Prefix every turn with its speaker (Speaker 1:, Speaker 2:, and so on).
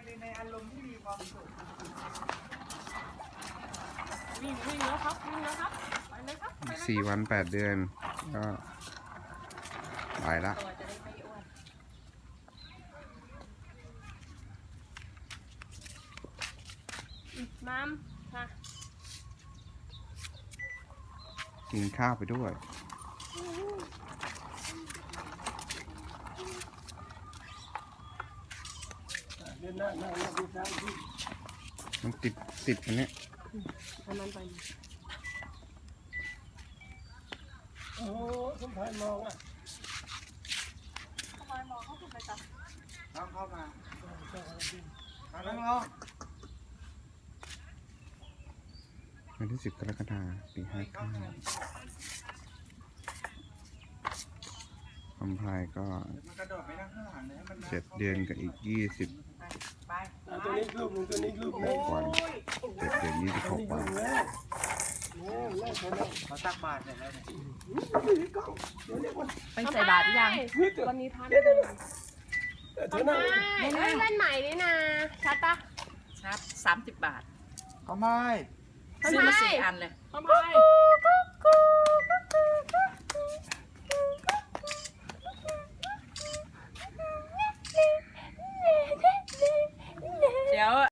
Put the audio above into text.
Speaker 1: ในอารมณ์ที่มีความสุข
Speaker 2: วิ่งแล้วครับวิ่งแล้วครับไปเลยครับไปเลย
Speaker 3: 4 วัน 8 เดือนก็ไปละ
Speaker 2: ตัวจะได้ไม่อ้วนน้ำค่ะ
Speaker 3: กินข้าวไปด้วย
Speaker 1: เดินหน้าดูซ้ายที่
Speaker 3: มันติดอันเนี้ย
Speaker 2: อันนั้นไป
Speaker 1: โอ้สมภารมองอ่ะ
Speaker 2: ทำไมมองเขาถูกไปจับ
Speaker 1: น้องเข้ามานั่งลง
Speaker 3: วันที่ 10 กรกฎาคม ปี 59คำพายก็
Speaker 1: มันกระโดดไปนั่งข้างหลังเลยให้มัน
Speaker 3: 7 เดือนกับอีก 20
Speaker 1: ไปตัวนี้รูปหนึ่งตัวนี้รูปหนึ่ง
Speaker 3: วัน 7 เดือน 26 วัน
Speaker 1: เขาตักบาตรเสร็จแล้วเนี่ย
Speaker 2: ไปใส่บาตรยังวันนี้ท่านเดินทำไมเล่นใหม่นี่นะชัดปะ
Speaker 4: ชัด30 บาท
Speaker 1: ทำไม
Speaker 4: ซื้อมา4 อันเลย
Speaker 2: ทำไม